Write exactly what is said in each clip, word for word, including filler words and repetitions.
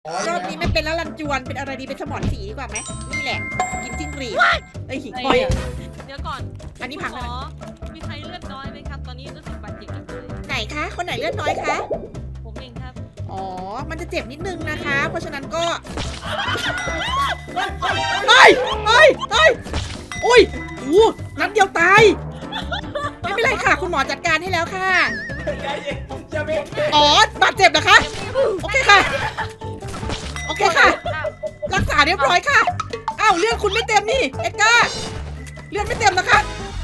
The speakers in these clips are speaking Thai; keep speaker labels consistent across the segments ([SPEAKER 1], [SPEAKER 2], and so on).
[SPEAKER 1] รอบนี้ไม่เป็นแล้วลันจวนเป็นอะไรดีเป็นสมอนสีดีกว่าไหมนี่แหละกินจิ้งหรีดเอ้ยหิ่งคอย
[SPEAKER 2] เดี๋ยวก่อน
[SPEAKER 1] อันนี้พัง
[SPEAKER 2] ห
[SPEAKER 1] แล้ว
[SPEAKER 2] มอมีใครเลือดน้อยไหมครับ ตอนนี้รู้สึกบาดเจ็บจังเลย
[SPEAKER 1] ไหนคะคนไหนเลือดน้อยคะ
[SPEAKER 2] ผมเองครับ
[SPEAKER 1] อ๋อมันจะเจ็บนิดนึงนะคะ เพราะฉะนั้นก็เฮ้ยเฮ้ยเฮ้ยอุ้ยอู้นัดเดียวตายไม่เป็นไรค่ะ คุณหมอจัดการให้แล้วค่ะอ๋อบาดเจ็บเหรอคะโอเคค่ะโอเคค่ะ รักษาเรียบร้อยค่ะอ้าวเลือดคุณไม่เต็มนี่เอ็ดการ์เลือดไม่เต็มนะคะ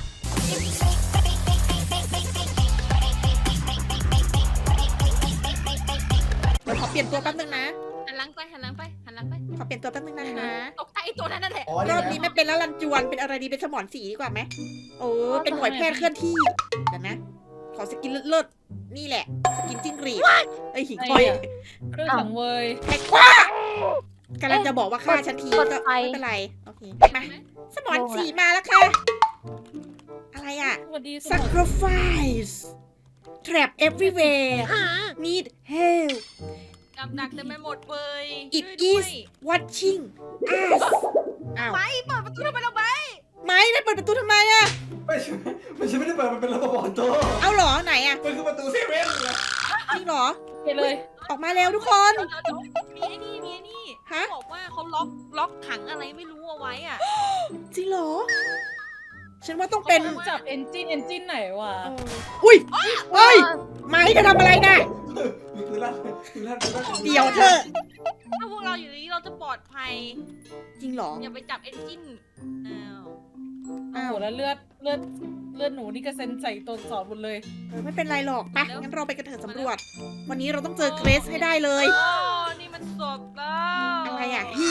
[SPEAKER 1] เดี๋ยวขอเปลี่ยนตัวแป๊บนึงนะ
[SPEAKER 2] หันหลังไปหันหลังไปหันหลังไป
[SPEAKER 1] ขอเปลี่ยนตัวแป๊บนึงนะคะ
[SPEAKER 2] ตกใจไอ้ตัวนั้นนั่นแหละ
[SPEAKER 1] รอบนี้ไม่เป็นแล้วลันจวนเป็นอะไรดีเป็นสมอนสีดีกว่าไหมโอ้เป็นหน่วยแพทย์เคลื่อนที่เดี๋ยวนะ ขอสกินเลิศๆนี่แหละสกินจิ้งหรีดเอ้ยหิ่งคอย
[SPEAKER 3] เรื่องของเวย
[SPEAKER 1] แท็กว่ากำลังจะบอกว่าฆ่าฉันทีก็ไม่เป็นไรโอเคมาสมอนสีมาแล้วค่ะอะไรอ่ะ
[SPEAKER 3] สวัสดีสมอง
[SPEAKER 1] sacrifice trap everywhere need help
[SPEAKER 2] กับดักเต็มไปหมดเลย
[SPEAKER 1] it
[SPEAKER 2] ช่วย
[SPEAKER 1] is watching us อ้าว
[SPEAKER 2] ไปเปิดประตูทำไมเราไป
[SPEAKER 1] ไม่ได้เปิดประตูทำไมอะ
[SPEAKER 4] ไม่ใช่ไม่ใช่ไม่ได้เปิดมันเป็นระบบออโต้
[SPEAKER 1] เอาเหรอไหนอะ
[SPEAKER 4] มันคือประตูเซเว่นไง
[SPEAKER 1] จริงเหรอ
[SPEAKER 3] ไปเลย
[SPEAKER 1] ออกมาเร็วทุกคน
[SPEAKER 2] เดี๋ยวเดี๋ยวมีไอ้นี่มีไอ้นี่
[SPEAKER 1] ฮะ
[SPEAKER 2] เขาบอกว่าเขาล็อกล็อกขังอะไรไม่รู้เอาไว้อ่ะ
[SPEAKER 1] จริงเหรอ ฉันว่าต้องเป็น
[SPEAKER 3] จับเอนจินเอนจินไหนวะ
[SPEAKER 1] เอออุ้ยเฮ้ยไม้จะทำอะไรนะ
[SPEAKER 4] มีปืนลั่นปืนลั่นปืนลั่น
[SPEAKER 1] เดี๋ยวเธอะ
[SPEAKER 2] ถ้าพวกเราอยู่นี้เราจะปลอดภัย
[SPEAKER 1] จริงเหรอ
[SPEAKER 2] อย่าไปจับเอนจินอ้าว
[SPEAKER 3] โอ้โหแล้วเลือดเลือดเลือดหนูนี่กระเซ็นใส่ตัวสอนหมดเลย
[SPEAKER 1] เออไม่เป็นไรหรอกไปงั้นเราไปกันเถอะสำรวจ วันนี้เราต้องเจอเกรซให้ได้เลย
[SPEAKER 2] โอ้นี่มันศพแล้ว
[SPEAKER 1] อะไรอ่ะ he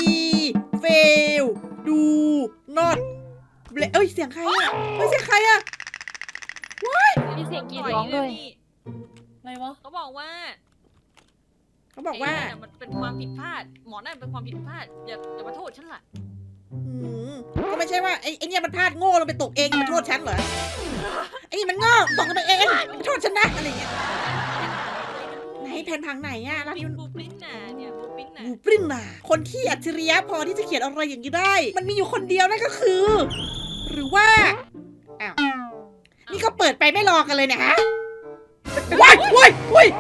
[SPEAKER 1] fail do not ble- เอ้ยเสียงใครอ่ะเฮ้ยเสียงใครอ่ะ
[SPEAKER 2] มีเสียงกรีดร้องด้วย
[SPEAKER 3] อะไรวะ
[SPEAKER 2] เขาบอกว่า
[SPEAKER 1] เขาบอกว่า
[SPEAKER 2] ไเนี่ยมันเป็นความผิดพลาด หมอนั่นเป็นความผิดพลาด อย่าอย่ามาโทษฉันล่ะ
[SPEAKER 1] อืมก็ไม่ใช่ว่าไอ้ไอ้เนี่ยมันพลาดโง่ลงไปตกเองมันโทษฉันเหรอไอ้นี่มันโง่ตกลงไปเองมันโทษฉันนะอะไรเงี้ยไหนแผ่นพังไหนอ่ะร้าน
[SPEAKER 2] มี
[SPEAKER 1] นี้มัน
[SPEAKER 2] บูปริ้นน่ะเนี่ยบูปริ้นน่ะ
[SPEAKER 1] บูปริ้นน่ะคนที่อัจฉริยะพอที่จะเขียนอะไรอย่างนี้ได้ มันมีอยู่คนเดียวนั่นก็คือ หรือว่าอ้าวนี่ก็เปิดไปไม่รอกันเลยเนะฮะว้ายว้ายว้าย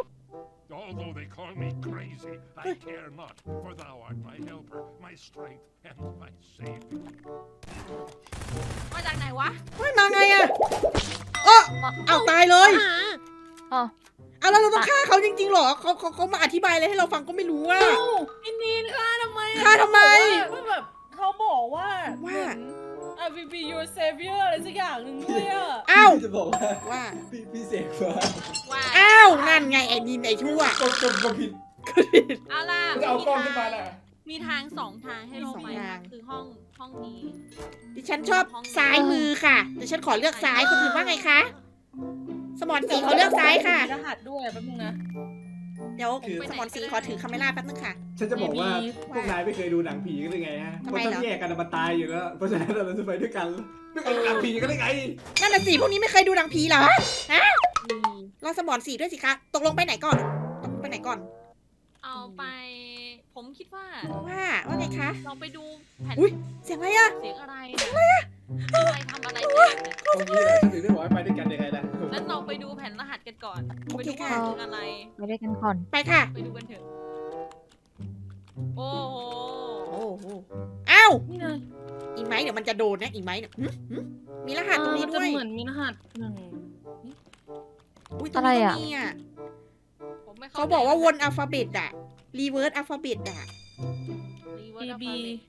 [SPEAKER 5] Although they call me crazy, I care not, for thou art my helper, my strength, and my savior.
[SPEAKER 2] มาจากไหนวะ
[SPEAKER 1] เฮ้ยมาไงอะเออเอาตายเลย
[SPEAKER 6] อ๋อ
[SPEAKER 1] เอาแล้วเราต้องฆ่าเขาจริงๆเหรอเขาเขาเขามาอธิบายอะไรให้เราฟังก็ไม่รู้ว่า
[SPEAKER 3] เอ้าอินนีนฆ่าทำไมอะ
[SPEAKER 1] ฆ่าทำไม
[SPEAKER 3] ว่าแบบเขาบอกว่า
[SPEAKER 1] ว่า
[SPEAKER 3] อ่ะ will be your savior อะไรสักอย่างหนึ่งด้วยอ่ะ
[SPEAKER 1] อ้าว
[SPEAKER 4] จะบอกว่า
[SPEAKER 1] ว่า
[SPEAKER 4] พี่พี่เสกมา
[SPEAKER 2] ว่า
[SPEAKER 1] อ้าวนั่นไงไอ้นินไอ้ชั่ว
[SPEAKER 4] กดกดกดผิด
[SPEAKER 2] เอาล่ะ
[SPEAKER 4] จะเอากล้องขึ้นมาน่ะ
[SPEAKER 2] มีทางสองทางให้เราไป
[SPEAKER 1] มีสองทา
[SPEAKER 2] นะ
[SPEAKER 1] ง
[SPEAKER 2] คือห้องห้องนี้
[SPEAKER 1] ดิฉันชอบซ้ายมือค่ะแต่ฉันขอเลือกซ้ายคนอื่นว่าไงคะสมอนสีขอเลือกซ้ายค่ะ
[SPEAKER 3] มีรหัสด้วยแป๊บนึงนะ
[SPEAKER 1] เดี๋ยวสมอนสีขอถือคาเมล่าแป๊บนึงค่ะ
[SPEAKER 4] ฉันจะบอกว่า
[SPEAKER 3] มี
[SPEAKER 4] พวกนายไม่เคยดูหนังผีกันหรือไงฮะ
[SPEAKER 1] ทำ
[SPEAKER 4] ค
[SPEAKER 1] ไม
[SPEAKER 4] น
[SPEAKER 1] เหรอ
[SPEAKER 4] ต้องแยกกันมันตายอยู่แล้ว เพราะฉะนั้นเราจะไปด้วยกันไม่เคยดูหนังผีกันได้ไง
[SPEAKER 1] นั่นน่ะสิพวกนี้ไม่เคยดูหนังผีเหรอฮะเราสมอนสีด้วยสิคะตกลงไปไหนก่อนตกลงไปไหนก่อน
[SPEAKER 2] เอาไป ผมคิดว่า
[SPEAKER 1] ว่าว่าไงคะ
[SPEAKER 2] เราไปดูแผ่น
[SPEAKER 1] อุ๊ย เสียงอะไรอะ
[SPEAKER 2] เสียงอะไรเสียงอะไรอะอะไรทำอะไรกันเนี่ย
[SPEAKER 4] ตรงนี้แหละฉันถึงได้บอกให้ไปด้วยกันยังไงล่ะ
[SPEAKER 2] งั้นเราไปดูแผ่นรหัสกันก่อน
[SPEAKER 1] โอ
[SPEAKER 2] ไป
[SPEAKER 1] เค
[SPEAKER 2] ดู
[SPEAKER 1] ค่ะ
[SPEAKER 2] ว่าคืออะไร
[SPEAKER 6] ไปด้วยกันก่อน
[SPEAKER 1] ไปค่ะ
[SPEAKER 2] ไปดูกันเถอะ โอ้โห
[SPEAKER 1] โอ้โหอ้าว
[SPEAKER 3] นี่ไง
[SPEAKER 1] อีไม้เดี๋ยวมันจะโดนนะอีไม้เนี่ยหึหึมีรหัสตรงนี้
[SPEAKER 3] เออ
[SPEAKER 1] ด้วย
[SPEAKER 3] จะเหมือนมีรหัสหนึ่ง
[SPEAKER 1] อุ้ยตรงนี้
[SPEAKER 6] อะไร
[SPEAKER 1] ก็
[SPEAKER 6] อะ
[SPEAKER 1] มีอ่ะ
[SPEAKER 2] ผมไม่
[SPEAKER 1] เขาบอกว่าวนอัลฟาเบตอะรีเวิร์สอัลฟาเบตอะ
[SPEAKER 2] รีเวิ
[SPEAKER 3] A
[SPEAKER 2] ร์ส
[SPEAKER 3] B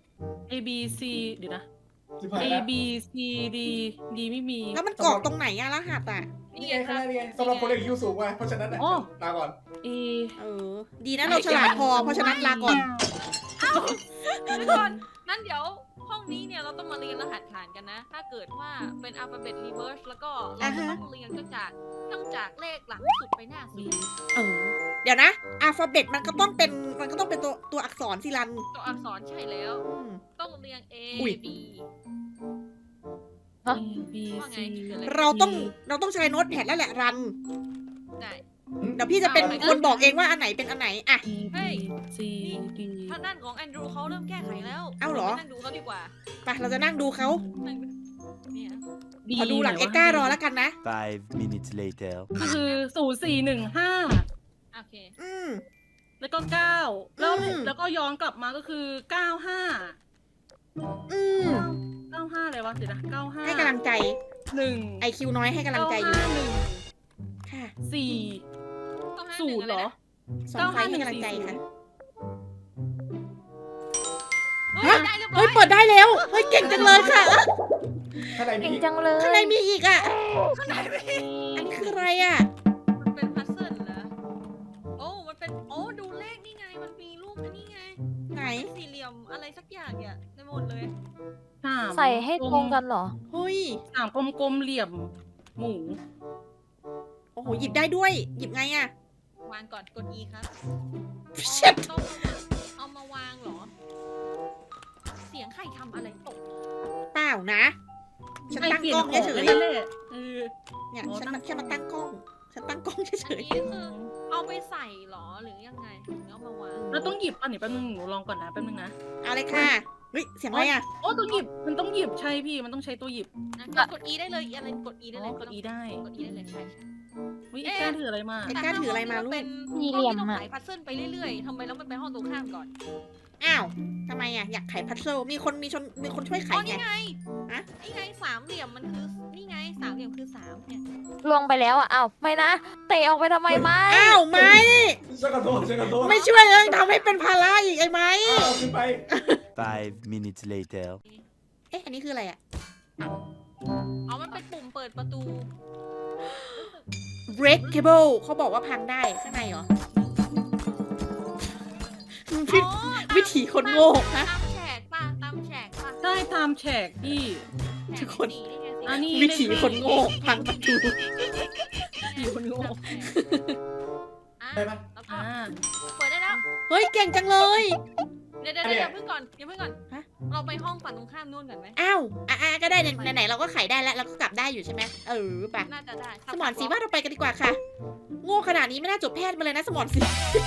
[SPEAKER 3] A B C เดี๋ยวนะ
[SPEAKER 4] สิบห้า
[SPEAKER 3] A
[SPEAKER 4] แล้ว
[SPEAKER 3] B C D D ไม่มี
[SPEAKER 1] แล้วมันกรอกตรงไหนอะรหัสอะ
[SPEAKER 2] นี่
[SPEAKER 4] นี่
[SPEAKER 2] ไง
[SPEAKER 4] ไง
[SPEAKER 2] ค
[SPEAKER 4] ข้าง
[SPEAKER 2] รับ
[SPEAKER 4] หน้านี่ไงสำหรับคนเรียนคิวสูงว่ะเพราะฉะนั้นน่ะ
[SPEAKER 3] อ๋อ
[SPEAKER 4] ลาก่อน
[SPEAKER 3] A
[SPEAKER 1] เออ ดีนะเราฉลาดพอ เพราะฉะนั้นลาก่อน
[SPEAKER 2] ทุกคนนั่นเดี๋ยวห้องนี้เนี่ยเราต้องมาเรียนรหัสฐานกันนะ ถ้าเกิดว่าเป็นอัลฟาเบตรีเวิร์สแล้วก็เราจะต้องเรียนก็จากต้องจากเลขหลังสุดไปหน้าสุด
[SPEAKER 1] เออ เดี๋ยวนะอัลฟาเบตมันก็ต้องเป็นมันก็ต้องเป็นตัวตัวอักษรสิรัน
[SPEAKER 2] ตัวอักษรใช่แล้ว
[SPEAKER 1] อืม
[SPEAKER 2] ต้องเรียง A
[SPEAKER 1] อุ๊ย
[SPEAKER 2] B
[SPEAKER 3] A B
[SPEAKER 2] ว่าไง
[SPEAKER 3] C
[SPEAKER 2] คืออะไร
[SPEAKER 1] เราต้องเราต้องใช้โน้ตแพดแล้วแหละรัน
[SPEAKER 2] ได้
[SPEAKER 1] เดี๋ยวพี่จะเป็นคนบอกเองว่าอันไหนเป็นอันไหนอะ
[SPEAKER 2] เฮ้ย
[SPEAKER 3] ซีดี
[SPEAKER 2] ทางด้านของแอนดรูเขาเริ่มแก้ไขแล้ว
[SPEAKER 1] เอ้าเหรอ
[SPEAKER 2] ไปนั่งดูเขาดีกว่า
[SPEAKER 1] ไปเราจะนั่งดูเขา
[SPEAKER 2] นั่งดูเนี่ย
[SPEAKER 1] ขอดูหลังเอ็ดการ์รอแล้วกันนะ
[SPEAKER 7] Five minutes later.
[SPEAKER 3] ก็คือศูนย์สี่หนึ่งห้า
[SPEAKER 2] โอเค
[SPEAKER 1] อืม
[SPEAKER 3] แล้วก็เก้าแล้ว
[SPEAKER 1] อืม
[SPEAKER 3] แล้วก็ย้อนกลับมาก็คือเก้าห้า
[SPEAKER 1] อืม
[SPEAKER 3] เก้าห้าอะไรวะเดี๋ยวนะเก้าห้า
[SPEAKER 1] ให้กำลังใจ
[SPEAKER 3] หนึ่ง
[SPEAKER 1] ไอคิวน้อยให้กำลังใจอยู่
[SPEAKER 3] เก้าห้าหนึ่ง
[SPEAKER 1] ค่ะ
[SPEAKER 3] สี่
[SPEAKER 2] เก้าห้า
[SPEAKER 3] ศู
[SPEAKER 2] นึ่ง
[SPEAKER 3] นย์เหรอ
[SPEAKER 1] สองไฟให้กำลังใจค่ะ
[SPEAKER 2] เฮ้ยได้เรียบร้
[SPEAKER 1] เฮ้
[SPEAKER 2] อย ย
[SPEAKER 1] เปิดได้แล้ว เฮ้ยเก่งจังเลยค่ะ
[SPEAKER 4] ข้างในมี
[SPEAKER 6] เก่ง
[SPEAKER 4] อีก
[SPEAKER 6] จังเลย
[SPEAKER 1] ข้างในมีอีกอ่ะ
[SPEAKER 2] ข้างในไม่
[SPEAKER 1] อันนี้คืออะไรอ่ะ
[SPEAKER 2] มันเป็นพัซเซิลเหรอโอ้มันเป็นโอ้ดูเลขนี่ไงมันมีรูปอันนี้ไง
[SPEAKER 1] ไหน
[SPEAKER 2] สี่เหลี่ยมอะไรสักอย่างเนี่ยในหมดเลย
[SPEAKER 3] สาม
[SPEAKER 6] ใส่ให้ตรงกันเหรอ
[SPEAKER 1] เฮ้ย
[SPEAKER 3] สามกลมๆเหลี่ยมหมู
[SPEAKER 1] โอ้โห หยิบได้ด้วย หยิบไงอ่ะ
[SPEAKER 2] วางก่อนกด E ครับ
[SPEAKER 1] เช็ด
[SPEAKER 2] ต้องเอามาวางเหรอ เสียงใครทำอะไรตก
[SPEAKER 1] เปล่านะ ฉันตั้งกล้องเฉย
[SPEAKER 3] นั่นแหละเออ
[SPEAKER 1] ๆเนี่ย
[SPEAKER 3] โอ้
[SPEAKER 1] ฉัน
[SPEAKER 3] ตั้
[SPEAKER 1] มาง แค่มาตั้งกล้อง ฉันตั้งกล้องเฉ
[SPEAKER 2] อัน
[SPEAKER 1] ย
[SPEAKER 2] นี้คือเอาไปใส่เหรอหรือยังไงถึงเอามาวาง
[SPEAKER 3] แล้วต้องหยิบอันนี้แป๊บนึงหนูลองก่อนนะแป๊บนึงนะ
[SPEAKER 1] ๆเอาเลยค่ะ เฮ้ย เสียงอะไรอ่ะ
[SPEAKER 3] โอ้ต้องหยิบมันต้องหยิบใช่พี่มันต้องใช้ตัวหยิบ
[SPEAKER 2] นะกด E ได้เลยอะไรกด E ได้เลย
[SPEAKER 3] อ๋อกด E ได้
[SPEAKER 2] กด E ได้เลยใช่ใช่
[SPEAKER 3] วิไอ้แก้ถืออะไรมา
[SPEAKER 1] ไอ้ก้านถืออะไรมาลูก
[SPEAKER 2] เป็น
[SPEAKER 6] มีเหลี่ยม
[SPEAKER 2] ห้องที่ต้อง
[SPEAKER 6] อะ
[SPEAKER 2] ไขพัซเซิลไปเรื่อยๆทำไมเราไม่ไปห้องตรงข้ามก่อน
[SPEAKER 1] อ้าวทำไมอ่ะ อยากไขพัซเซิลมีคนมีชนมีคนช่วยไข
[SPEAKER 2] อ๋อ
[SPEAKER 1] ไง
[SPEAKER 2] นี่ไง
[SPEAKER 1] ฮะ
[SPEAKER 2] นี่ไงสามเหลี่ยมมันคือนี่ไงสามเหลี่ยมคือสามเนี่ย
[SPEAKER 6] ลวงไปแล้วอ่ะอ้าวไม่นะ เตะออกไปทำไมไม่
[SPEAKER 1] อ้าวไม่
[SPEAKER 4] ฉันขอโทษฉันขอโทษ
[SPEAKER 1] ไม่ช่วยเลยทำให้เป็นภาระอีกไอ้ไหม
[SPEAKER 4] เอาขึ้นไป
[SPEAKER 7] Five minutes later.
[SPEAKER 1] เอ๊ะ อันนี้คืออะไรอ่ะ
[SPEAKER 2] อ๋อมันเป็นปุ่มเปิดประตู
[SPEAKER 1] breakable เขาบอกว่าพังได้ข้างในเหรอ วิ
[SPEAKER 2] อ๋อ
[SPEAKER 1] วิถีคนโง่ฮะ
[SPEAKER 2] ตามแฉกป่ะตามแฉกป่ะ
[SPEAKER 3] ได้ตามแฉกพี่
[SPEAKER 2] แฉ
[SPEAKER 1] ทุกคน
[SPEAKER 2] สีนี่ไงสี
[SPEAKER 3] อันนี้
[SPEAKER 1] วิถีคนโง่พังประตู
[SPEAKER 3] ผีคนโง่
[SPEAKER 2] อ่ะ
[SPEAKER 4] ได้ปะ
[SPEAKER 2] แล้วก็
[SPEAKER 3] อ่า
[SPEAKER 2] เปิดได้แล้ว
[SPEAKER 1] เฮ้ย เก่งจังเลย
[SPEAKER 2] เดี๋ยวเดี๋ยว
[SPEAKER 4] อันเนี้
[SPEAKER 2] เดี๋ย
[SPEAKER 4] ย
[SPEAKER 2] วเพิ่งก่อนเดี๋ยวเพิ่งก่อน
[SPEAKER 1] ฮะ
[SPEAKER 2] เราไปห้องฝั่งตรงข้ามนู่นก่อนไหม
[SPEAKER 1] อ้าวอ่ะอ่ะก็ได้ไหนไหนๆเราก็ไขได้แล้วเราก็กลับได้อยู่ใช่ไหมเออไป
[SPEAKER 2] น่าจะได้
[SPEAKER 1] สมอนสีว่าเราไปกันดีกว่าค่ะ โง่ขนาดนี้ไม่น่าจบแพทย์มาเลยนะสมอนสี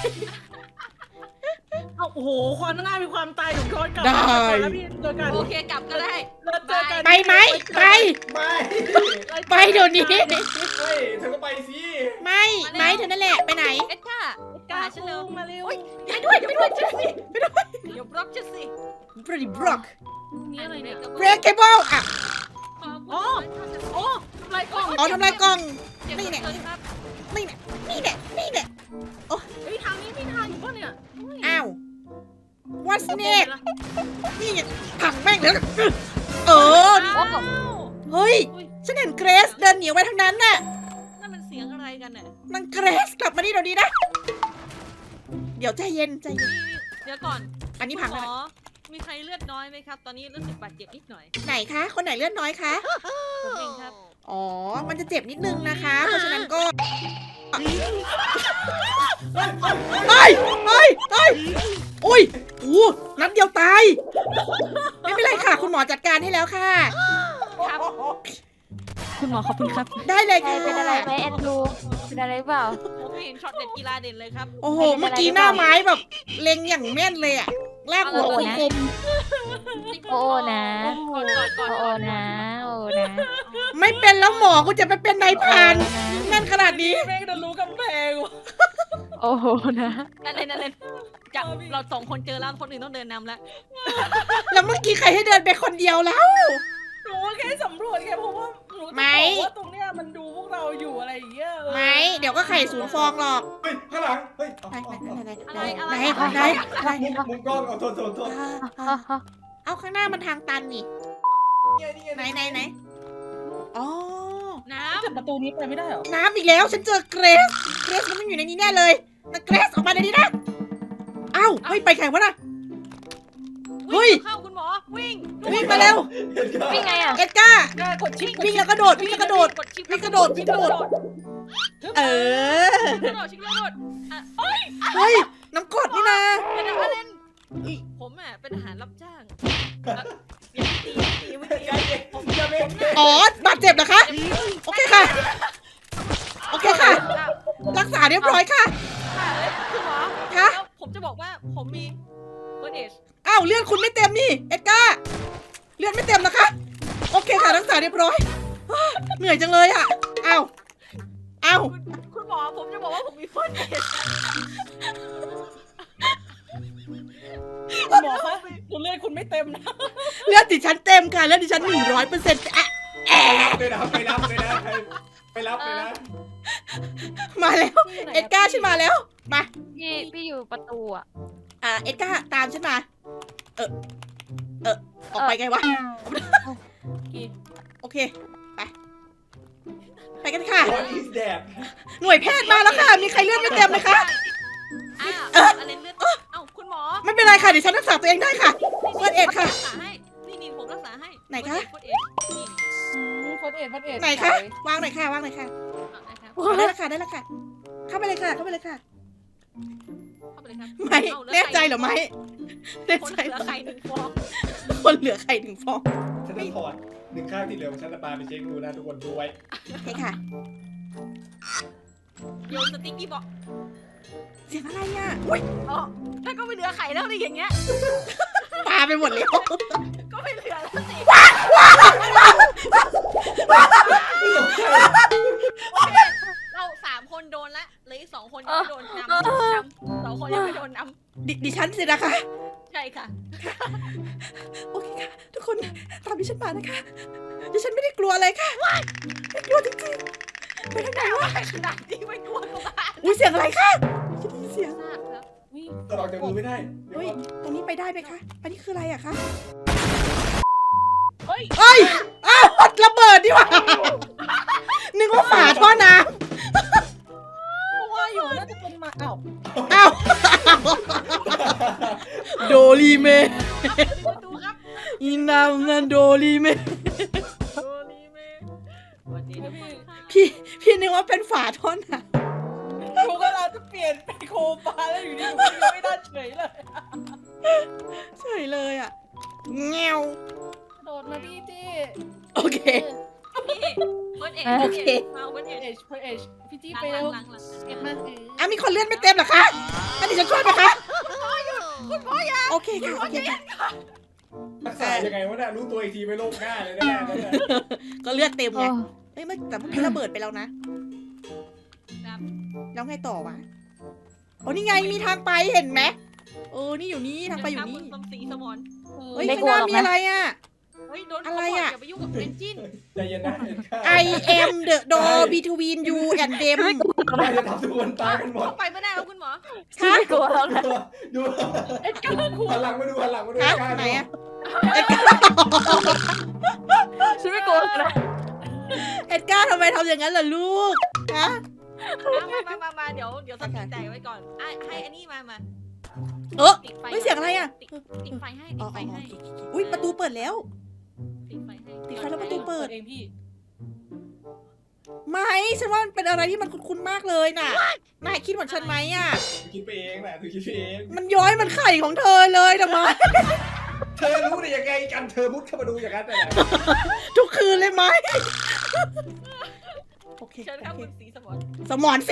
[SPEAKER 3] เอาโอ้โหความง่ายมีความตายหนูย้อนกลับ
[SPEAKER 1] ได้
[SPEAKER 3] มาก่อนแล้วพี่เจอกัน
[SPEAKER 2] โอเคกลับก็ได้
[SPEAKER 3] เราเจอกัน
[SPEAKER 1] ไปไหมไป
[SPEAKER 4] ไม่
[SPEAKER 1] ไปเดี๋ยวนี้
[SPEAKER 4] เฮ้ยเธอก็ไปสิ
[SPEAKER 1] ไม่ไม่เธอนั่นแหละไปไหน
[SPEAKER 2] เอ็ดก้า
[SPEAKER 3] กล้าฉันเร็วมาเร็ว
[SPEAKER 1] ไปด้วยไปด้วยไปด้วย
[SPEAKER 2] เดี๋ยวบล็อกจะสิ
[SPEAKER 1] บริบล็อก
[SPEAKER 3] นี่อะไรเนี่ย
[SPEAKER 1] breakable อ่ะ
[SPEAKER 3] อ๋อ โอ้ทำลายกล่อง
[SPEAKER 1] อ๋อทำลายกล่อง
[SPEAKER 2] เก็บ
[SPEAKER 1] นี่
[SPEAKER 2] เงิ
[SPEAKER 1] เนี่ย
[SPEAKER 2] นครับ
[SPEAKER 1] นี่เนี่ยนี่เนี่ยนี่เนี่ย
[SPEAKER 3] เฮ้ยทางนี้มีทางอยู่ป่ะเนี่ย
[SPEAKER 1] อ้าว what's next นี่ไงผังแม่งแล้วเออ
[SPEAKER 2] อ้าว
[SPEAKER 1] เฮ้ย ฉันเห็นเกรซเดินหนีไปทางนั้นน่ะ
[SPEAKER 2] นั่นมันเสียงอะไรกันน่ะ
[SPEAKER 1] นางเกรซกลับมานี่เดี๋ยวนี้นะ เดี๋ยวใจเย็นใจเย็น
[SPEAKER 2] เดี๋ยวก่อน
[SPEAKER 1] อันนี้พัง
[SPEAKER 2] หม
[SPEAKER 1] แล้ว
[SPEAKER 2] อมีใครเลือดน้อยไหมครับ ตอนนี้รู้สึกบาดเจ็บนิดหน่อย
[SPEAKER 1] ไหนคะ คนไหนเลือดน้อยคะ
[SPEAKER 2] ผมเองครับ
[SPEAKER 1] อ๋อ มันจะเจ็บนิดนึงนะคะ เพราะฉะนั้นก็เฮ้ยเฮ้ยเฮ้ยอุ้ยอู้นัดเดียวตาย ไม่เป็นไรค่ะ คุณหมอจัดการให้แล้วค่ะ
[SPEAKER 2] ครับ
[SPEAKER 6] คุณหมอขอบคุณครับ
[SPEAKER 1] ได้เลย
[SPEAKER 6] ใคร
[SPEAKER 1] ค่ะ
[SPEAKER 6] เป็นอะไรไหมแอนดรูเป็นอะไรเปล่า
[SPEAKER 2] ผมเห็นช็อตเด็ดกีฬาเด่นเลยครับ
[SPEAKER 1] โอ้โห เมื่อกี้หน้าไม้แบบเล็งอย่างแม่นเลยอะลากหัว
[SPEAKER 6] โอ้
[SPEAKER 1] ค
[SPEAKER 6] โหนะ
[SPEAKER 1] ม
[SPEAKER 6] โอ้นะ
[SPEAKER 2] ก่อนก่อนก่อน
[SPEAKER 6] โอ้นะโอ้นะ
[SPEAKER 1] ๆไม่เป็นแล้วหมอกูจะไปเป็นนายพรานแม่นขนาดนี้
[SPEAKER 3] แม่งจะรู้กำแพงว่ะ
[SPEAKER 6] โอ้โหนะ
[SPEAKER 2] นั่นเลยนั่นเลยจากเราสองคนเจอแล้วคนอื่นต้องเดินนำแล้ว
[SPEAKER 1] แล้วเมื่อกี้ใครให้เดินไปคนเดียวแล้ว
[SPEAKER 3] หนูแค่สำรวจแค่เพราะว่าหนูจะ
[SPEAKER 1] ไม่
[SPEAKER 3] บอกว่าตรงเนี้ยมันดูพวกเราอยู่อะไรอย่างเงี้ยเออ
[SPEAKER 1] ไหมเดี๋ยวก็ไข่ศูนย์ฟองหรอก
[SPEAKER 4] เฮ้ยข้างหลังเฮ้ยเอา
[SPEAKER 1] ไหน
[SPEAKER 4] เอา
[SPEAKER 1] ไหน
[SPEAKER 4] เอา
[SPEAKER 1] ไหน
[SPEAKER 2] อะไรอะไร
[SPEAKER 1] ไหนไหนไหน
[SPEAKER 4] มุมมุมกล้องเอาโทษโทษโทษ
[SPEAKER 6] ฮ่าฮ่า
[SPEAKER 1] เอาข้างหน้ามันทางตันนี่
[SPEAKER 4] นี่ไงนี่ไง
[SPEAKER 1] ไหนไหนไหนอ๋อ
[SPEAKER 2] น้
[SPEAKER 3] แต่ประตูนี้ไปไม่ได้เหรอ
[SPEAKER 1] น้ำอีกแล้ว ฉันเจอเกรซเกรซมันต้องอยู่ในนี้แน่เลยนะเกรซออกมาในนี้นะเอ้าเฮ้ยไปแข่งวะน่ะ
[SPEAKER 2] ำ
[SPEAKER 1] เฮ้ย
[SPEAKER 2] เข้าคุณหมอวิ่ง
[SPEAKER 1] วิ่งมาเร็ว
[SPEAKER 6] วิ่งไงอ่ะ
[SPEAKER 1] เอ็ดก้า
[SPEAKER 3] แม่กดชิป
[SPEAKER 1] วิ่งแล้วกระโดดวิ่งแล้วกระโดด
[SPEAKER 2] กดชิป
[SPEAKER 1] วิ่งกระโดดวิ่งกระโดด เออ
[SPEAKER 2] กระโดดชิปกระโดดอ่ะเอ้ย
[SPEAKER 1] เฮ้ยน้ำกรดนี่นะ
[SPEAKER 2] เป็นอะไรเล่นผมอ่ะเป็นทหารรับจ้างอ่ะอย่าตีอย่าตีไม่ตี
[SPEAKER 4] อย่าเย็นอย่าเย็น
[SPEAKER 1] อ๋อบาดเจ็บเหรอคะ โอเคค่ะ โอเคค่ะ รักษาเรียบร้อยค่ะ
[SPEAKER 2] ค่ะเอ้ยคุณหมอ
[SPEAKER 1] คะ
[SPEAKER 2] แล้วผมจะบอกว่าผมมีเฟิร์สเอช
[SPEAKER 1] อ้าวเลือดคุณไม่เต็มนี่เอ็ดการ์เลือดไม่เต็มนะคะ โอเคค่ะรักษาเรียบร้อย เหนื่อยจังเลยอ่ะอ้าวอ้าว
[SPEAKER 2] คุณคุณหมอผมจะบอกว่าผมมีเฟิร์สเอช
[SPEAKER 3] คุณหมอคะคุณเลือดคุณไม่เต็มนะ
[SPEAKER 1] เลือดดิฉันเต็มค่ะเลือดดิฉันหนึ่งร้อยเปอร์เซ็นต์อะแอะ
[SPEAKER 4] ไปรับไปรับไปนะไปรับไปนะ
[SPEAKER 1] มาแล้ว เอ็ดการ์ฉันมาแล้วมา
[SPEAKER 6] พี่พี่อยู่ประตูอ่ะ
[SPEAKER 1] อ่าเอ็ดการ์ตามฉันมา เออเออออกไปไงวะโอเคไปไปกันค่ะ
[SPEAKER 4] What is that
[SPEAKER 1] หน่วยแพทย์มาแล้วค่ะ มีใครเลือดไม่เต็มไหมคะ
[SPEAKER 2] อ้าวอะไรเลือดเอ้าคุณหมอ
[SPEAKER 1] ไม่เป็นไรค่ะเดี๋ยวฉันรักษาตัวเองได้ค่ะ เฟิร์สเอดค่ะ
[SPEAKER 2] รักษาให้นี่นี่ผมรักษาให้
[SPEAKER 1] ไหนคะ
[SPEAKER 2] เฟิร์สเอชนี่
[SPEAKER 3] ฟันเอ็ดฟันเอ็ด
[SPEAKER 1] ไหนคะวางหน่อยค่ะวางหน่อยค่ะ
[SPEAKER 2] เอาได้ครับ
[SPEAKER 1] เอาได้แล้วค่ะได้แล้วค่ะ เข้าไปเลยค่ะเข้าไปเลยค่ะ
[SPEAKER 2] เข้าไปเลยครับ
[SPEAKER 1] ไม่
[SPEAKER 2] อาลื
[SPEAKER 1] แน่ใจเหรอไม่แน่
[SPEAKER 2] คน
[SPEAKER 1] ใจ
[SPEAKER 2] เหลื
[SPEAKER 1] เหร
[SPEAKER 2] อ
[SPEAKER 1] อ
[SPEAKER 2] ไข่หนึ่งฟอง
[SPEAKER 1] คนเหลือไข่ถึงฟอง
[SPEAKER 4] ฉันจะถอดหนึ่งข้างที่เหลือของฉันจะปาไปเช็คดูนะทุกคนด้วย
[SPEAKER 1] โอเคค่ะ
[SPEAKER 2] โยนสติ๊กกี้บอก
[SPEAKER 1] เสียงอะไรอ่ะอุ้ย
[SPEAKER 2] อ๋อถ้าก็ไม่เหลือไข่แล้วดิอย่างเงี้ย
[SPEAKER 1] ปาไปหมดแล้ว
[SPEAKER 2] ก็ไม่เหลือแล้วสิโอเคเราสามคนโดนละเหลืออีกสองคนยังไม่โดนนำนำสองคนยังไม่โดนน
[SPEAKER 1] ดิดิฉันสินะคะ
[SPEAKER 2] ำใช่ค่ะ
[SPEAKER 1] โอเคค่ะ ทุกคนตามดิฉันมานะคะดิฉันไม่ได้กลัวอะไรค่ะไม่กลัวจริงๆไปทางไหนวะ
[SPEAKER 2] ขนาดนี้ไม่กลัวก็บ้า
[SPEAKER 1] อุ้ยเสียงอะไรคะฉันได้ยินเสียง
[SPEAKER 2] ทราบครับ
[SPEAKER 4] ตลอดจากมือไม่ได้เดี๋ยว
[SPEAKER 1] เฮ้ย
[SPEAKER 4] ก่อน
[SPEAKER 1] ตรงนี้ไปได้ไหมคะอันนี้คืออะไรอะคะ
[SPEAKER 3] เฮ้ย
[SPEAKER 1] เอ้ยอ้าวระเบิดดิวะนึกว่าฝาท่อน้
[SPEAKER 3] เพราะว่าอยู่น่าจะเป็นมาอ้าว
[SPEAKER 1] ำอ้าวโดรีเม
[SPEAKER 2] ประตูครับ
[SPEAKER 1] อีนามนันโดรีเม
[SPEAKER 2] โดนีเมสวัสดีทุกคนค่ะ
[SPEAKER 1] พี่พี่นึกว่าเป็นฝาท่อน้
[SPEAKER 3] หนูก็เราจะเปลี่ยนเป็นโคปาแล้วอยู่ดีหนูก็ยังไม่ได้เฉยเลย
[SPEAKER 1] ำเฉยเลยอะเงี้ยว
[SPEAKER 3] โดดมาพี่จี้
[SPEAKER 1] โอเค
[SPEAKER 2] พี่เบิร์ดเอ็ด
[SPEAKER 1] โอ
[SPEAKER 2] เบิร์ด
[SPEAKER 1] เค
[SPEAKER 2] เอ็ดมาเบิร์ด
[SPEAKER 3] เอ
[SPEAKER 2] เอ็ด
[SPEAKER 3] ชเพเอชพี่จี้
[SPEAKER 2] หลัง
[SPEAKER 3] ไป
[SPEAKER 2] หลั
[SPEAKER 3] เร็
[SPEAKER 2] ง
[SPEAKER 3] ว
[SPEAKER 2] หลังหลัง
[SPEAKER 3] เก็บมาเออ
[SPEAKER 1] อ่ะมีคนเลื่อนไม่เต็มเหรอคะอันนี้จะช่วยไหมคะโอเคค่ะโอเคค่ะ
[SPEAKER 4] รักษายังไงวะเนี่ยรู้ตัวอีกทีไม่โลกหน้าเลยนะเนี่ย
[SPEAKER 1] ก็เลือดเต็มไง
[SPEAKER 6] โอ้
[SPEAKER 1] เอ้ยเมื่อแต่เมื่อกี้ระเบิดไปแล้วนะ
[SPEAKER 2] ครับ
[SPEAKER 1] แล้วไงต่อวะโอ้นี่ไงมีทางไปเห็นไหมเออนี่อยู่นี่ทางไปอยู่นี่
[SPEAKER 2] คุณสมศรีสมร
[SPEAKER 1] เฮ้ย
[SPEAKER 6] ไม่
[SPEAKER 1] ข้าง
[SPEAKER 6] ก
[SPEAKER 1] ห
[SPEAKER 6] ลัว
[SPEAKER 1] น้า
[SPEAKER 6] หรอก
[SPEAKER 1] มี
[SPEAKER 6] นะ
[SPEAKER 1] อะไรอ่ะ
[SPEAKER 2] เฮ้ยโดน
[SPEAKER 1] อะไรอะ
[SPEAKER 2] อย่าไปยุ่งกับเอนจิน
[SPEAKER 4] ใจเย็นนะ
[SPEAKER 1] I am the door between you and them
[SPEAKER 4] น่าจะทำทุกคนตายกันหมด
[SPEAKER 2] เข้าไปไม่ได้แล้วคุณหมอ
[SPEAKER 1] ฮะ
[SPEAKER 6] ไม่กลัวแล้วนะ
[SPEAKER 4] ดูดู
[SPEAKER 3] เอ็ดการ์คู
[SPEAKER 4] หันหลังมาดูหันหลังมาดู
[SPEAKER 1] ฮะ
[SPEAKER 4] กล้า
[SPEAKER 1] ไหน
[SPEAKER 4] ดู
[SPEAKER 1] อะ
[SPEAKER 6] ฉันไม่กลัวแล้วนะ
[SPEAKER 1] เอ็ดการ์ทำไมทำอย่างนั้นล่ะลูกฮะ
[SPEAKER 2] มามามามาเดี๋ยวเดี๋ยวตัดสินใจไว้ก่อนไอ้ให้อันนี้มามา
[SPEAKER 1] เออ
[SPEAKER 2] ติดไฟ
[SPEAKER 1] เฮ้ยเสียงอะไรอะ
[SPEAKER 2] ติดติดไฟให้
[SPEAKER 1] อ๋
[SPEAKER 2] ติ
[SPEAKER 1] อ
[SPEAKER 2] ดไฟ
[SPEAKER 1] อ๋อ
[SPEAKER 2] ให้
[SPEAKER 1] อุ้ยประตูเปิดแล้ว
[SPEAKER 2] ติดไฟให้
[SPEAKER 1] ติดไฟแล้วประตูเปิด
[SPEAKER 3] เองพี่
[SPEAKER 1] ไม่ฉันว่ามันเป็นอะไรที่มันคุ้นๆมากเลยน่ะนายคิดเหมือนฉันไหมอ่ะ
[SPEAKER 4] คิดไปเองแหละถือคิดไปเอง
[SPEAKER 1] มันย้อยมันไข่ของเธอเลยทำไม
[SPEAKER 4] เธอรู้ได้ยังไงกันเธอมุดเข้ามาดูอย่างนั้นแต่ไหน
[SPEAKER 1] ทุกคืนเลยไหมโอเค
[SPEAKER 2] เชิญครับ
[SPEAKER 1] โอเค
[SPEAKER 2] คุณสีสมร
[SPEAKER 1] สมอนสี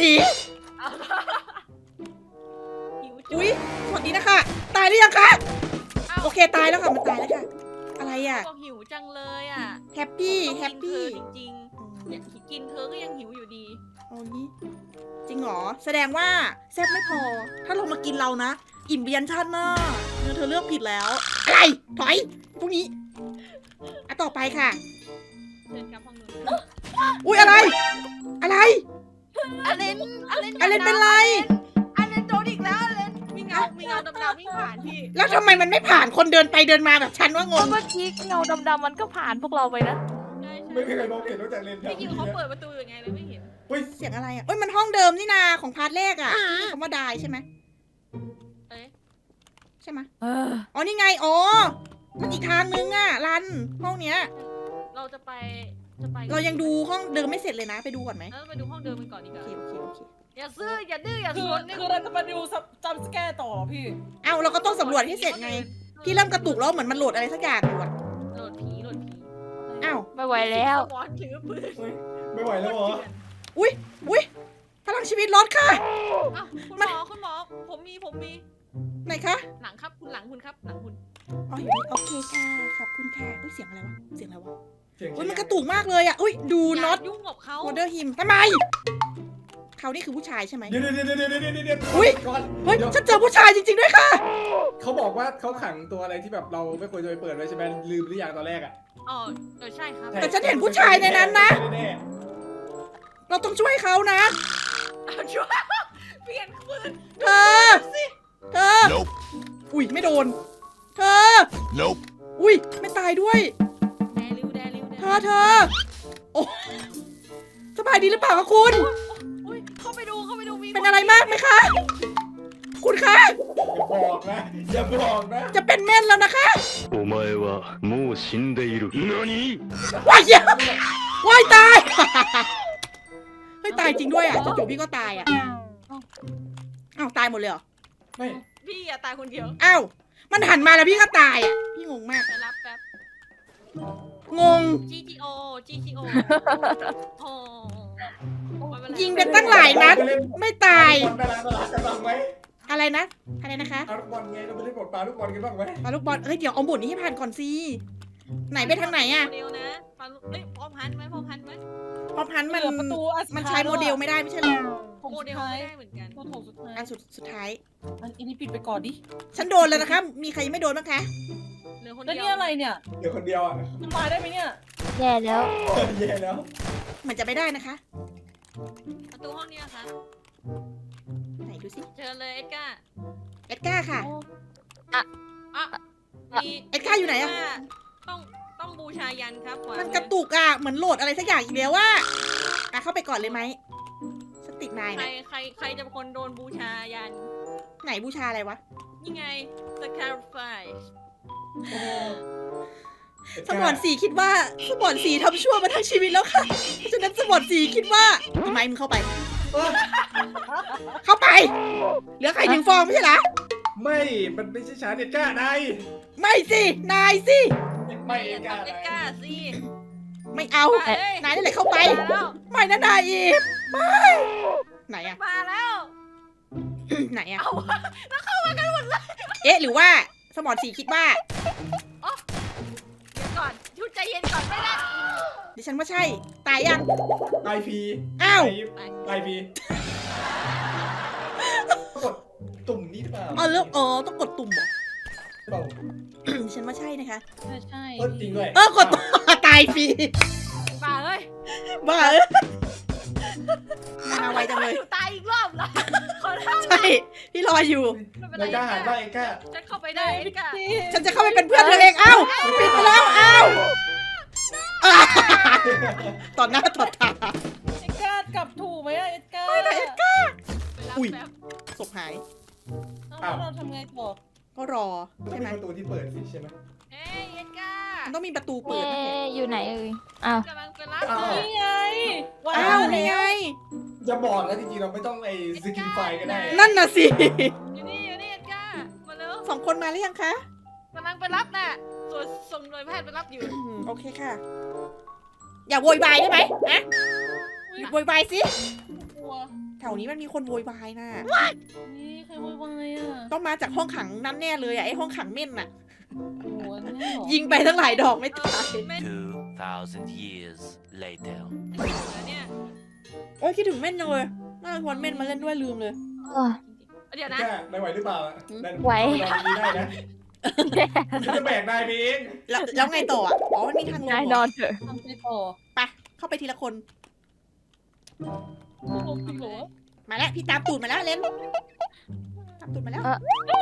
[SPEAKER 2] หิวจุ
[SPEAKER 1] อุ้ยสวัสดีนะคะตายหรือยังคะ
[SPEAKER 2] อ้าว
[SPEAKER 1] โอเคตายแล้วค่ะมันตายแล้วค่ะ อะไรอ่ะ
[SPEAKER 2] บอกหิวจังเลยอ่ะ
[SPEAKER 1] แฮปปี้
[SPEAKER 2] ต้อง
[SPEAKER 1] แฮ
[SPEAKER 2] กิ
[SPEAKER 1] ป
[SPEAKER 2] นเธ
[SPEAKER 1] ปี้
[SPEAKER 2] อจริงๆเนี่ยกินเธอก็ยังหิวอยู่ดี
[SPEAKER 1] เอานี้จริงเหรอแสดงว่าแซ่บไม่พอ ถ้าลงมากินเรานะ อิ่มเบียนชาติหน้าเธอเธอเลือกผิดแล้ว อะไรถอยพวกนี้อ่ะต่อไปค่ะ
[SPEAKER 2] เชิญครับห้องนู้น
[SPEAKER 1] อุ้ยอะไร อะไร
[SPEAKER 2] อเลนอเลน
[SPEAKER 1] อเลนเป็นไร
[SPEAKER 2] อเลนโดนอีกแล้วอเลนมีเงา มีเงาดำๆวิ่งผ่านพี่
[SPEAKER 1] แล้วทำไมมันไม่ผ่านคนเดินไปเดินมาแบบฉันว่าง
[SPEAKER 6] เพราะ
[SPEAKER 1] ง
[SPEAKER 6] เมื่อกี้เงาดำๆมันก็ผ่านพวกเราไปนะ
[SPEAKER 2] ใช่
[SPEAKER 4] ไม่
[SPEAKER 2] ใช่
[SPEAKER 4] มีใครมองเห็นนอกจากเลนแถว
[SPEAKER 2] พี่
[SPEAKER 4] นี้
[SPEAKER 2] คิวเขาเปิดประตูยังไงเลยไม่เห็น
[SPEAKER 4] เฮ้ย
[SPEAKER 1] เสียงอะไรอ่ะเอ้ยมันห้องเดิมนี่นาของพาร์ทแรกอ่ะที่มีคำว่าดายใช่ไหม
[SPEAKER 2] เอ๊ะ
[SPEAKER 1] ใช่ไหม
[SPEAKER 6] เออ
[SPEAKER 1] อ๋อนี่ไงอ๋อมันอีกทางนึงอ่ะรันห้องเนี้ย
[SPEAKER 2] เราจะไป จะไป
[SPEAKER 1] เรายังดูห้องเดิมไม่เสร็จเลยนะไปดูก่อนไหม
[SPEAKER 2] เออไปดูห้องเดิมกันก่อนดีก
[SPEAKER 1] โอ
[SPEAKER 2] ว่า
[SPEAKER 1] เคโอเคโอเค
[SPEAKER 2] อย่าซื้อ อย่าดื้อ อย่า
[SPEAKER 3] คือ
[SPEAKER 2] สนเนี่ย
[SPEAKER 3] คือเราจะมาดูจำสแกร์ต่อพี่
[SPEAKER 1] เอ้าเราก็ต้องสำรวจให้เสร็จไง พี่เริ่มกระตุกแล้วเหมือนมันโหลดอะไรสักอย่างอยู่อ่ะ
[SPEAKER 2] โหลดผีโหลดผี
[SPEAKER 1] อ้าว
[SPEAKER 6] ไม่ไหวแล้ว
[SPEAKER 2] สมอนถือปืน
[SPEAKER 4] เฮ้ยไม่ไหวแล้วเหรอ
[SPEAKER 1] อุ้ยอุ้ยพลังชีวิตลดค่ะ
[SPEAKER 2] อ้าวคุณหมอคุณหมอผมมีผมมี
[SPEAKER 1] ไหนคะ
[SPEAKER 2] หลังครับคุณหลังคุณครับหลังคุณ
[SPEAKER 1] อ๋ออยู่นี่โอเคค่ะขอบคุณค่ะอุ้ยเสียงอะไรวะเสียงอะไรวะ
[SPEAKER 4] เสียง
[SPEAKER 1] อุ้ยมันกระตุกมากเลยอ่ะอุ้ยดู
[SPEAKER 2] อย่า
[SPEAKER 1] น็อต
[SPEAKER 2] ยุ่งกับเขา
[SPEAKER 1] วอเดอร์ฮิมทำไมเขานี่คือผู้ชายใช่ไหม
[SPEAKER 4] เดี๋ยวเดี๋ยวเดี๋ยวเดี๋ยวเดี๋ยวเดี๋ยว
[SPEAKER 1] อุ๊ย
[SPEAKER 4] ก่อน
[SPEAKER 1] เฮ้ย
[SPEAKER 4] ดี๋ว
[SPEAKER 1] ฉันเจอผู้ชายจริงๆด้วยค่ะ
[SPEAKER 4] เขาบอกว่าเขาขังตัวอะไรที่แบบเราไม่ควรจะไปเปิดไว้ใช่ไหมลืมหรือยังตอนแรกอ่ะ
[SPEAKER 2] อ๋อเออใช่ครับ
[SPEAKER 1] แต่ฉันเห็นผู้ชายในนั้นนะ
[SPEAKER 4] แน่
[SPEAKER 1] เราต้องช่วยเขานะ
[SPEAKER 2] เอาช่วยเปลี่ยนปืน
[SPEAKER 1] เธอ เธอ
[SPEAKER 5] Nope.
[SPEAKER 1] อุ้ยไม่โดน เธอ
[SPEAKER 5] Nope.
[SPEAKER 1] อุ้ยไม่ตายด้วย
[SPEAKER 2] แดริวแดริวแดริว
[SPEAKER 1] เธอเธอ โอ้สบายดีหรือเปล่าคะคุณ
[SPEAKER 2] อุ้ยเข้าไปดูเข้าไปดูมี
[SPEAKER 1] เป็นอะไรมากไหมคะ คุณคะ
[SPEAKER 4] ๆอย่าบอกนะอย่าบอกนะ
[SPEAKER 1] จะเป็นเม่นแล้วนะคะ
[SPEAKER 8] お前はもう死んでいる。何？
[SPEAKER 1] ว้ายเหี้ยว้ายตาย เฮ้ยตายจริงด้วยอ่ะจู่ๆพี่ก็ตายอ่ะอ้าวตายหมดเลยเหรอ
[SPEAKER 4] ไม่
[SPEAKER 2] พี่อย่าตายคนเดียว
[SPEAKER 1] อ้าวมันหันมาแล้วพี่ก็ตายอ่ะ พี่งงมาก
[SPEAKER 2] ไปรับแป๊บ
[SPEAKER 1] งง
[SPEAKER 2] จี จี โอ จี จี โอ โอ้ไม่เป็นไร
[SPEAKER 1] ยิงเป็นตั้งหลายนัด ไม่ตาย
[SPEAKER 4] บอลไปร้านตลาดกันบ้างไหม
[SPEAKER 1] อะไรนะ อะไรนะคะ
[SPEAKER 4] เอาลูกบอลไงเราไปเล่นบอลปลาลูกบอลกันบ้างไหม
[SPEAKER 1] ปาลูกบอลเอ้ย เดี๋ยวเอาหมุนนี้ให้ผ่านก่อนสิ ไหนไปทางไหนอะ
[SPEAKER 2] โมเดลนะปาลุเอ้ยพร้อมพันไหมพร้อมพันไหม
[SPEAKER 1] พอพันมัน
[SPEAKER 3] เหลือประตูอันสุด
[SPEAKER 1] มัน
[SPEAKER 3] ท้าย
[SPEAKER 1] ใช้โมเดลไม่ได้ไม่ใช่เหรอ
[SPEAKER 3] ผม
[SPEAKER 2] โม
[SPEAKER 3] สุด
[SPEAKER 2] เดล
[SPEAKER 3] ท้าย
[SPEAKER 2] ไม่ได้เหมือนกัน
[SPEAKER 3] ตัวโถสุดท้าย
[SPEAKER 1] อันสุดสุดท้าย
[SPEAKER 3] อันอันนี้ปิดไปก่อนดิ
[SPEAKER 1] ฉันโดนแล้วนะคะ มีใครยังไม่โดนบ้างคะ
[SPEAKER 2] เหลือคน
[SPEAKER 3] แล้ว
[SPEAKER 2] เดียว
[SPEAKER 3] นี่อะไรเนี่ย
[SPEAKER 4] เดี๋ยวคนเดียวอ่ะ
[SPEAKER 3] มันมาได้ไหมเนี่ย
[SPEAKER 6] แย่แล้ว
[SPEAKER 4] แย่แล้ว
[SPEAKER 1] เหมือนจะไม่ได้นะคะ
[SPEAKER 2] ประตูห้องนี้นะคะ
[SPEAKER 1] ไหนดูสิ
[SPEAKER 2] เจอเลยเอ็ดการ์
[SPEAKER 1] เอ็ดการ์ค่ะ
[SPEAKER 2] อ่ะมี
[SPEAKER 1] เอ็ดการ์อยู่ไหนอะ
[SPEAKER 2] ว่าต้องต้องบูชายันครับขวา
[SPEAKER 1] มัน
[SPEAKER 2] มือ
[SPEAKER 1] กระตุกอะเหมือนโหลดอะไรสักอย่างอีกแล้วว่าอ่ะเข้าไปก่อนเลยไหมสติกนาย
[SPEAKER 2] ใคร
[SPEAKER 1] นะ
[SPEAKER 2] ใครใครจะเป็นคนโดนบูชายัน
[SPEAKER 1] ไหนบูชาอะไรวะ
[SPEAKER 2] นี่ไง sacrifice
[SPEAKER 1] สมอนสีคิดว่าสมอนสีทำชั่วมาทั้งชีวิตแล้วค่ะเพราะฉะนั้นสมอนสีคิดว่าพี่ไม้มึงเข้าไป
[SPEAKER 4] เอ้ย
[SPEAKER 1] เข้าไป เหลือไข่หนึ่งฟองไม่ใช่เหรอ
[SPEAKER 4] ไม่ มันไม่ใช่ชาเด็ดก้านาย
[SPEAKER 1] ไม่สิ นายสิ
[SPEAKER 4] ไม่เอ็
[SPEAKER 2] อย่าน
[SPEAKER 4] ก้า
[SPEAKER 2] ทำเอ็ด
[SPEAKER 4] นาย
[SPEAKER 2] การ์สิ
[SPEAKER 1] ไม่เอา
[SPEAKER 2] มาเลย
[SPEAKER 1] นายนั่นแหละเข้าไป
[SPEAKER 2] มาแล้ว
[SPEAKER 1] ไม่นะนายอีฟไม่ ไหนอะ
[SPEAKER 2] มาแล้ว
[SPEAKER 1] ไหนอะ
[SPEAKER 2] เอาแล้วเข้ามากันหมดเลย
[SPEAKER 1] เอ๊ะ หรือว่าสมอนสีคิดว่า
[SPEAKER 2] เดี๋ยวก่อนชุดใจเย็นก่อนไม่ได้
[SPEAKER 1] ดิฉันว่าใช่ ตายยัง
[SPEAKER 4] ตายพี
[SPEAKER 1] อ้าว
[SPEAKER 4] ตายพีกดตุ่มนี่หรือเปล่า
[SPEAKER 1] อ๋อเลือกอ๋อต้องกดตุ่มเหรอ
[SPEAKER 4] เปล่า
[SPEAKER 1] ดิฉันว่าใช่นะคะ
[SPEAKER 3] ใช่ใช่
[SPEAKER 4] เออจริงด้วย
[SPEAKER 1] เออกดตุ่ม ตายฟรี
[SPEAKER 2] ป่าเอ้ย
[SPEAKER 1] บ้าเอ้ยมาไวจังเลย
[SPEAKER 2] ตายอีกรอบเหรอขอโทษ
[SPEAKER 1] ใช่ พี่รออยู่
[SPEAKER 2] ไม่เป็น
[SPEAKER 4] นายกล้าหัน
[SPEAKER 2] ไร
[SPEAKER 4] บ้างเอ็ก้า
[SPEAKER 2] ฉันเข้าไปได้เอ็ดการ์
[SPEAKER 1] ฉันจะเข้าไปเป็นเพื่อนเธอเอง เอ้าปิดไปแล้ว เอ้าอ่าต่อหน้าต่อตา
[SPEAKER 3] เอ็ดการ์กลับถูกไหมอะเอ็ดการ์
[SPEAKER 1] ไม่นะเอ็ดการ์
[SPEAKER 2] ไปรับ
[SPEAKER 1] อุ๊ย
[SPEAKER 2] แป๊บ
[SPEAKER 1] ศพหาย
[SPEAKER 3] เอาแล้วเราทำไงต่อ
[SPEAKER 1] ก็รอ
[SPEAKER 4] ต้อง
[SPEAKER 1] ใช่
[SPEAKER 4] มี
[SPEAKER 1] ไหม
[SPEAKER 4] ประตูที่เปิดสิใช่ไหม
[SPEAKER 2] เอ้ยเอ็ดการ์
[SPEAKER 1] มันต้องมีประตู
[SPEAKER 6] เอ
[SPEAKER 1] เปิดนะเห็น
[SPEAKER 6] อยู่ไหนเอ่ย อ้าว
[SPEAKER 2] กำลังไปรับ
[SPEAKER 4] อ้าว
[SPEAKER 2] เลย
[SPEAKER 3] นี่ไงว้า
[SPEAKER 1] อ้าว
[SPEAKER 3] ว
[SPEAKER 1] นี่ไง
[SPEAKER 4] อย่าบอกนะจริงๆเราไม่ต้องไอ้สกินไฟก็ได้
[SPEAKER 1] นั่นน่ะสิ
[SPEAKER 2] อยู่นี่อยู่นี่เอ็ดการ์มาเร็ว
[SPEAKER 1] สองคนมาหรือยังคะ
[SPEAKER 2] กำลังไปรับน่ะส่วนส่งหน่วยแพทย์ไปรับอยู่
[SPEAKER 1] อืมโอเคค่ะ อย่าโวยวายได้ไหมฮะโวยวายสิ
[SPEAKER 3] กลัว
[SPEAKER 1] แถวนี้มันมีคนโวยวายน่ะ
[SPEAKER 3] นี่ใครโวยวายอ่ะ
[SPEAKER 1] ต้องมาจากห้องขังนั้นแน่เลยอะไอห้องขังเม่นน่ะ
[SPEAKER 3] โอ้โหเนี่ยเหรอ
[SPEAKER 1] ยิงไปทั้งหลายดอกไม่
[SPEAKER 2] เอ
[SPEAKER 1] ตาย
[SPEAKER 2] อไม่
[SPEAKER 7] Two thousand years later.
[SPEAKER 2] เนี่ย
[SPEAKER 1] โอ้ยคิดถึงเม่นจังเลยน่าจะชวนเม่นมาเล่นด้วยลืมเลย
[SPEAKER 6] เออ
[SPEAKER 2] เดี๋ยว
[SPEAKER 4] แก้
[SPEAKER 2] นะ
[SPEAKER 4] นายไหวหรือเปล่า
[SPEAKER 1] อืม
[SPEAKER 4] นาย
[SPEAKER 6] ไหว
[SPEAKER 4] ลองนี้ได้นะฉันจะแบกนายไปเอง
[SPEAKER 1] แล้วแล้วไงต่ออะอ๋อมันมีทางลง
[SPEAKER 6] นาย
[SPEAKER 1] เห
[SPEAKER 6] น
[SPEAKER 1] ร
[SPEAKER 6] อ
[SPEAKER 1] อน
[SPEAKER 6] เถอะ
[SPEAKER 3] ทำไปต่อ
[SPEAKER 1] ไปเข้าไปทีละคน
[SPEAKER 3] ลงจริงเหรอ
[SPEAKER 1] มาแล้วพี่ตามตูดมาแล้วเล่นตามตูดมาแล้ว
[SPEAKER 6] เออ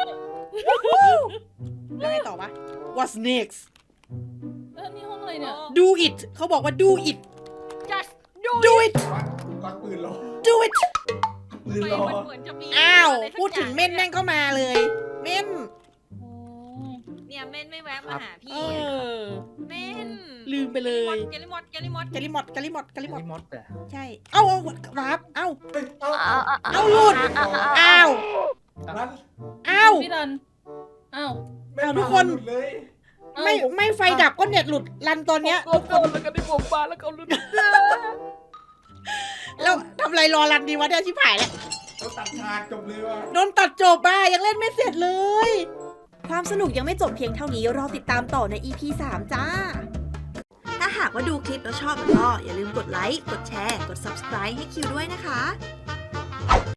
[SPEAKER 1] แล้วไงต่อวะ What's next
[SPEAKER 3] แล้วนี่ห้องอะไรเนี่ย
[SPEAKER 1] Do it เขาบอกว่า do it
[SPEAKER 2] just do
[SPEAKER 1] do it
[SPEAKER 4] ควักปืนรอ
[SPEAKER 1] do it
[SPEAKER 4] ปืน
[SPEAKER 2] ไป
[SPEAKER 4] รอ
[SPEAKER 2] มันเหมือนจะมี
[SPEAKER 1] อ้าว
[SPEAKER 2] ะไรสัก
[SPEAKER 1] พูดถึงเม่น
[SPEAKER 2] อย่า
[SPEAKER 1] แม่งก็มาเลย เม่น
[SPEAKER 3] โอ้
[SPEAKER 2] เนี่ยเม่นไม่แวะมาหา
[SPEAKER 1] เอ
[SPEAKER 2] พี่
[SPEAKER 1] อ
[SPEAKER 2] เม่น
[SPEAKER 1] ลืมไปเลย
[SPEAKER 2] แกลิมอดแกลิมอด
[SPEAKER 1] กาลิมอดกาลิมอดกาลิมอด
[SPEAKER 8] มดอะ
[SPEAKER 1] ใช่ เอ้าเอาวาร์ปเอ้า
[SPEAKER 4] เฮ้ยเอา
[SPEAKER 6] เอาเอา
[SPEAKER 1] เอาหลุด อ้าว
[SPEAKER 4] รัน
[SPEAKER 1] อ้าว
[SPEAKER 3] พี่รันอ้าว
[SPEAKER 4] ไม่
[SPEAKER 1] เอาทุกคน
[SPEAKER 4] หลุดเลย
[SPEAKER 1] ไม่ไม่ไฟดับก็เน็ตหลุดรันตอนเนี้ย
[SPEAKER 3] ก็คนแล้วก็ได้ผมมาแล้วก็ลุ้น
[SPEAKER 1] แล้วทำไรรอรันดีวะเนี่ยชิบหายแล้ว
[SPEAKER 4] เขาตัดฉากจบเลยว่ะ
[SPEAKER 1] โดนตัดจบอ่ะยังเล่นไม่เสร็จเลย ความสนุกยังไม่จบเพียงเท่านี้รอติดตามต่อใน อี พี สาม จ้า ถ้าหากว่าดูคลิปแล้วชอบก็อย่าลืมกดไลค์ กดแชร์ กด ซับสไครบ์ ให้คิวด้วยนะคะ